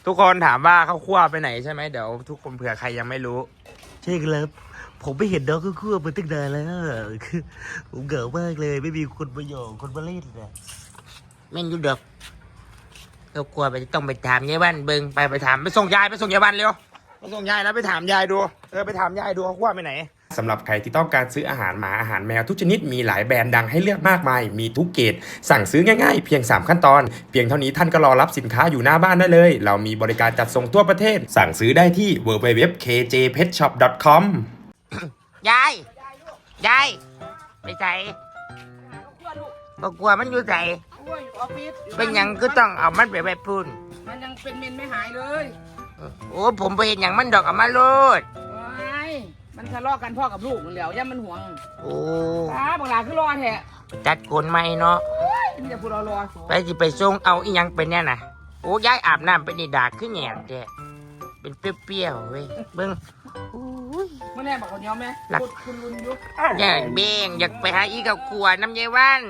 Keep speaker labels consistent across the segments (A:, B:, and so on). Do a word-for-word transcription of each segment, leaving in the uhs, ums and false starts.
A: ทุกคนถามว่าข้าวคั่วไปไหนใช่ไหมเดี๋ยวทุกคนเผื่อใครยังไม่รู้
B: ใช่ครับผมไม่เห็นน้องคู่มาตั้งนานแล้วคือผมเหงามากเลยไม่มีคนมาหยอกคนมาเล่นนะ
A: แม่งอยู่เด็กข้าวคั่วไปต้องไปถามยายบ้านเบิ้งไปไปถามไปส่งยายไปส่งยายบ้านเร็วไปส่งยายแล้วไปถามยายดูเออไปถามยายดูข้าวคั่วไปไหนสำหรับใครที่ต้องการซื้ออาหารหมาอาหารแมวทุกชนิดมีหลายแบรนด์ดังให้เลือกมากมายมีทุกเกรดสั่งซื้อง่ายๆเพียงสามขั้นตอนเพียงเท่านี้ท่านก็รอรับสินค้าอยู่หน้าบ้านได้เลยเรามีบริการจัดส่งทั่วประเทศสั่งซื้อได้ที่ ดับเบิลยู ดับเบิลยู ดับเบิลยู ดอท เค เจ เพท ช็อป ดอท คอม ยายยายไปใส่ก็กลัวมันอยู่ใส่เป็นยังก็ต้องเอามันไปไปพูน
C: มันยังเป็นเมนไม่หายเลย
A: โอ้ผมไปเห็นอย่างมันดอกเอามาโลด
C: มันทะเลาะกันพ่อกับลูกมันแล้วย่ามันห่วง
A: โอ้
C: ตาบางหลาคือรอแท้
A: จัดโกนไม่เนาะ
C: นี่จะพูดรอรอ
A: ไปสิไปส่งเอาอีหยังเป็นเนี่ยนะโอ้ยายอาบน้ำเป็นนี่ดากขึ้นแหงแกเป็นเปรี้ยวๆเว้ยเบิ้ง
C: เมื่อแน่บอกคนยอมไหมพูดคุณลุนยุก
A: เนี่ยเบ่งอยากไปหาอีกับขวดน้ำยายวัน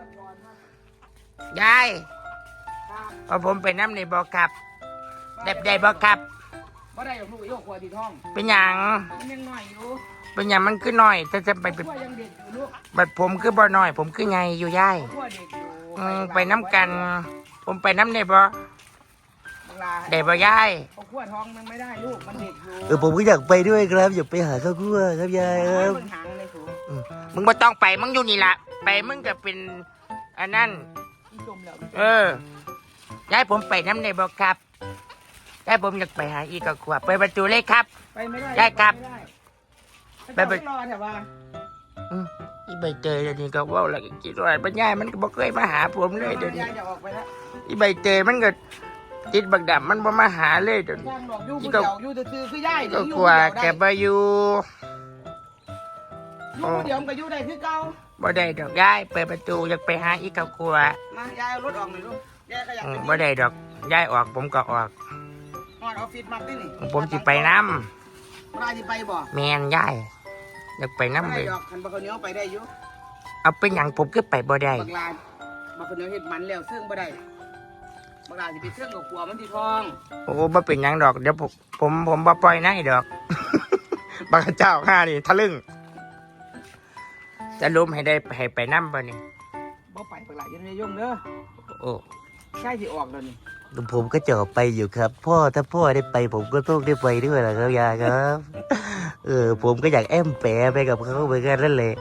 A: ยายพอผมไปน้ำในบ่อครับได้ได้บ่อครับ
C: บ่ได้หรอกลูกอีกขวดที่ท้อง
A: เป็นหยัง
C: มันยังหน่อยอยู่
A: เป็นหยังมันคือหน่อยแต่จะไปเป็นบัดผมคือบ่หน่อยผมคือไงอยู่ย่ายไปน้ำกันผมไปน้ำในบ่ได้บ่ย่าย
C: เอาขวดท้องมันไม่ได้ลูกมันเด็กอยู่
B: เออผมก็อยากไปด้วยครับอยากไปหาข้าวคั่วครับยายครับ
A: มึงไม่ต้องไปมึงอยู่นี่ละไปมึงก็เป็นอันนั้นเออยายผมไปน้ำในบ่ครับยายผมอยากไปหาอีกขวบไปประตูเลยครับ
C: ไปไม่ได้
A: ยายครับ
C: ไปไปรอแต่ว่า
A: อีใบเตยเดี๋ยวนี้ก็ว่าอะไรกินอะไรปัญญามันก็บอกเคยมาหาผมเลยเดี๋ยวนี้อีใบเตยมันก็ติดบักดำมันบ่มาหาเลยเดี๋ยวนี้
C: อีก็อยู่แต่คือคือย่าย
A: ก็กลัวแกบ่อยู่
C: อยู่เดี๋ยวมันก็อยู่ได้คือเก่า
A: บ่ได้ดอกยายเปิดประตูอยากไปหาอีกกลัว
C: มายายเอารถออกหน่อยลูกยายก็อยาก
A: บ่ได้ดอกยายออกผมก็ออก
C: ออฟฟิศมาที่นี่
A: ผมจะไปน้
C: ำมาจะไปบ่
A: แมนยายอยากไปน้ำเลย
C: คันบักเหนียวไปได้อยู่
A: เอาเป็นอย่างผมก็ไปบ่ได้
C: บักลาบักเหนียวเห็ดมันแล้วเสื่องบ่ได้บักลาจะไปเสื่องกับกลัวมันที่ท้อง
A: โอ้บ่เป็นอย่างดอกเดี๋ยวผมผมผมบ่ปล่อยนะดอกบักเจ้าข้านี่ทะลึ่งจะล้มให้ได้ให้ไปน้ำบ่นี่
C: บ่ไปบักลายังไม่ยุ่งเด้อ
A: โอ้
C: ใช่ที่ออกแล้วนี่
B: ผมก็จะไปอยู่ครับพ่อถ้าพ่อได้ไปผมก็ต้องได้ไปด้วยแหละครับยายครับเออผมก็อยากแอมแปะไปกับเขาเหมือนกันนั่นแหละ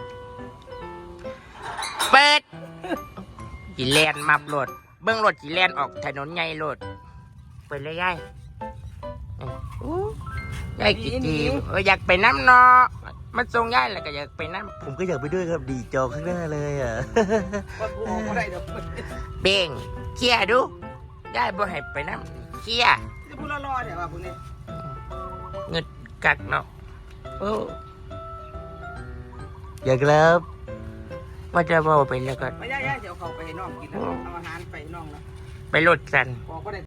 A: เปิดจีแลนมับรถเบื้องรถจีแลนออกถนนใหญ่รถเปิดเลยยายยายกี่ทีอยากไปน้ำเนาะมันทรงยายแหละก็อยากไปน้
B: ำผมก็อยากไปด้วยครับดีจอข้างหน้าเลยอ่ะ
A: เบ่งเขี่ยดูได้บ่ให้ไปน้ำเขี่ย
C: จะพูดรอๆเดี๋ยวว่าพวกนี้
A: เงินกักเนาะโอ้
B: อยากแล้ว
A: ว่าจะบอกไปแล้วก็
C: ไม่ยากๆเดี๋ยวเขาไปให้น้องกินนะเอาอาหารไปให้น้องแล้ว
A: ไปรถกัน
C: บอกก็ได้